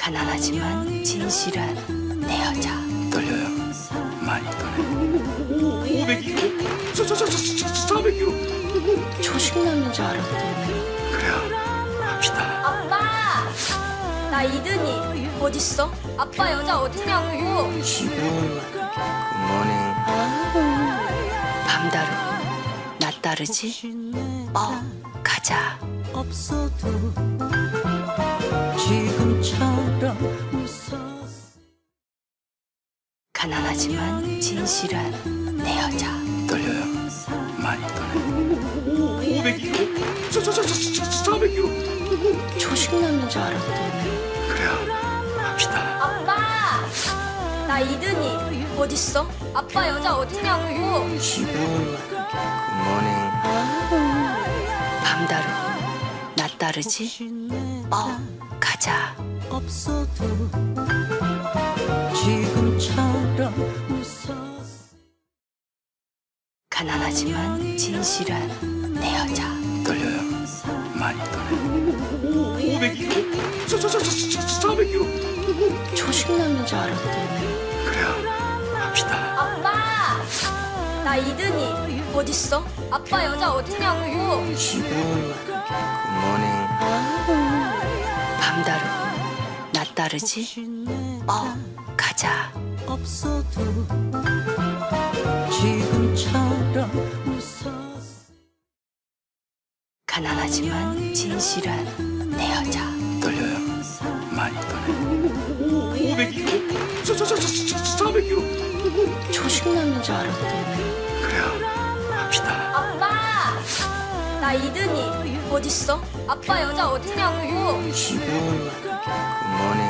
가난하지만 진실한 내 여자. 떨려요. 많이 떨려요. 500kg, 400kg. 초식남인 줄 알았더니 그래요. 합시다. 아빠! 나 이든이 어딨어? 아빠 여자 어딨냐고. 굿모닝. 밤다르고 낮 다르지? 가자. 없어도 지금처럼 웃어. 가난하지만 진실한 내 여자. 떨려요. 많이 떨려요. 500kg, 400kg. 초식남인 줄 알았더니 그래요. 합시다. 아빠! 나 이든이 어딨어? 아빠 여자 어딨냐고. 굿모닝. 밤다르고 낮 다르지? 가자. 없어도 지금처럼 웃어. 가난하지만 진실한 내 여자. 떨려요. 많이 떨려요. 500kg, 400kg. 초식남인 줄 알았더니 그래요. 합시다. 아빠! 나 이든이 어딨어? 아빠 여자 어딨냐고. 굿모닝. 밤다르고 낮 다르지? 가자. 없어도 지금처럼 웃어. 가난하지만 진실한 내 여자. 떨려요. 많이 떨려요. 500kg, 400kg. 초식남인 줄 알았더니 그래요. 합시다. 아빠! 나 이든이 어딨어? 아빠 여자 어딨냐고. 굿모닝.